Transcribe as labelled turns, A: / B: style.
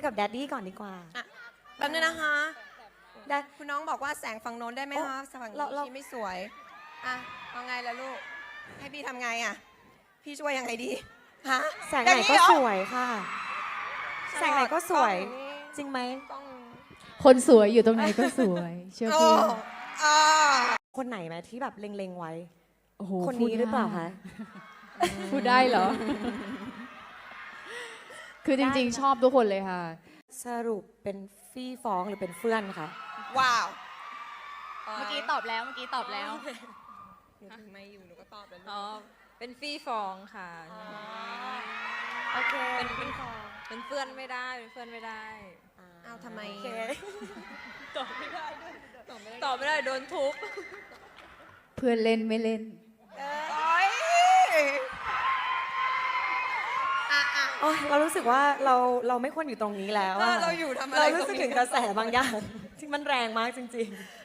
A: กับแดดดี้ก่อนดีกว่า
B: แป๊บนึงนะคะ
A: ได้
B: คุณน้องบอกว่าแสงฝั่งโน้นได้ไหมคะฝั่งนี้ชี้ไม่สวยอ่ะเอาไงล่ะลูกให้พี่ทำไงอ่ะพี่ช่วยยังไงดีฮะ
A: แสงไหนก็สวยค่ะแสงไหนก็สวยจริงไหม
C: คนสวยอยู่ตรงไหนก็สวยเชื่อพี่
A: คนไหนไหมที่แบบเล็งๆไว้
C: โอ้โห
A: คนนี้หรือเปล่าคะ
C: พูดได้เหรอ คือจริงๆชอบทุกคนเลยค่ะ
A: สรุปเป็นฟี่ฟ้องหรือเป็นเฟื่อนคะ
B: ว้าว
D: เมื่อกี้ตอบแล้ว
B: หนูถึงไม่อยู่หนูก็ตอบแล้ว
D: อ๋อ เป็นฟี่ฟองค่ะ
A: โอเค
D: เป็นเพื่อนไม่ได้ เป็นเพื่อนไม่ได้
B: อ้าวทำไม
A: โอเค
D: ตอบไม่ได้โดนทุบ
C: เพื่อนเล่นไม่เล่น
A: โอ๊ยเรารู้สึกว่าเราไม่ควรอยู่ตรงนี้แล้วอะ
B: เราอยู่ทำอะไร
A: เรารู้สึกถึงกระแสบางอย่างที่มันแรงมากจริงๆ